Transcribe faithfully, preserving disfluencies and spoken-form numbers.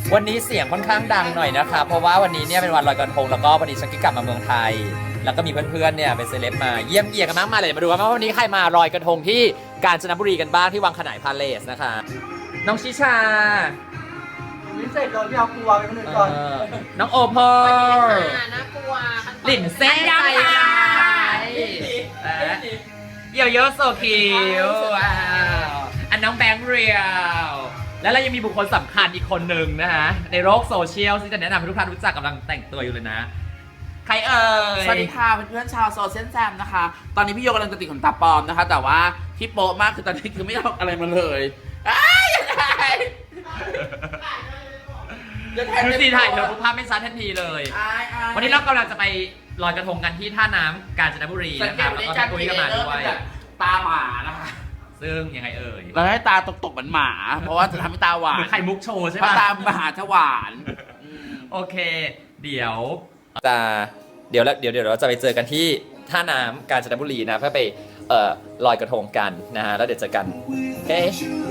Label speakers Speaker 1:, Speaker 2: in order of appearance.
Speaker 1: วันนี้เสียงค่อนข้างดังหน่อยนะคะเพราะว่าวันนี้เนี่ยเป็นวันลอยกระทงแล้วก็พอดีฉันก็กลับมาเมืองไทย แล้วก็มีเพื่อนๆเนี่ยเป็นเซเลบมาเยี่ยมเยียนกันมากมายเลยมาดูว่าวันนี้ใครมาลอยกระทงที่กาญจนบุรีกันบ้างที่วังขนายพาเลสนะคะน้องชิชา
Speaker 2: ลิ้นเสร็จก่อนพี่เอากลัวไปคนอื่นก่อน
Speaker 1: เออน้องโอเพอร์
Speaker 3: น่ากลัว
Speaker 1: หลินเซ่ใจร้ายเยี่ยวเยอะโซคิวว้าวอันน้องแบงค์เรียลแล้วเรายังมีบุคคลสำคัญอีกคนหนึ่งนะฮะในโลกโซเชียลที่จะแนะนำให้ทุกท่านรู้จักกำลังแต่งตัวอยู่เลยนะใครเอ่ย
Speaker 2: สวัสดีค่ะเพื่อนๆชาวโซเชียลแซมนะคะตอนนี้พี่โยกำลังจะติดขนตาปลอมนะคะแต่ว่าที่โป๊ะมากคือตอนนี้คือไม่เอาอะไรมาเลยอ้ายยังไง
Speaker 1: ดูสิถ่ายเธอภาพไม่ชัดทันทีเลย
Speaker 2: อายอาย
Speaker 1: วันนี้เรากำลังจะไปลอยกระทงกันที่ท่าน้ำกาญจนบุรี
Speaker 2: สัง
Speaker 1: นะ
Speaker 2: เก
Speaker 1: ค
Speaker 2: ต
Speaker 1: รับ
Speaker 2: วัน
Speaker 1: แล้ว
Speaker 2: นี้
Speaker 1: ก็
Speaker 2: จั
Speaker 1: พี่
Speaker 2: น
Speaker 1: ตุ้ยก็มาด้วย
Speaker 2: แบบตาหมานะคะ
Speaker 1: ซึ่งยังไงเอ่ย
Speaker 2: เราให้ตาตกๆเหมือนหมา เพราะว่าจะทำให้ตาหวา
Speaker 1: เหมื
Speaker 2: น
Speaker 1: อนไข่มุกโชว์ใช่
Speaker 2: เพราะ
Speaker 1: ปะ
Speaker 2: ตามหาจะหวานอืม
Speaker 1: โอเค เดี๋ยวจะเดี๋ยวแล้วเดี๋ยวเดี๋ยวเราจะไปเจอกันที่ท่าน้ำกาญจนบุรีนะเพื่อไปเอ่อลอยกระทงกันนะฮะแล้วเดี๋ยวเจอกันโอเค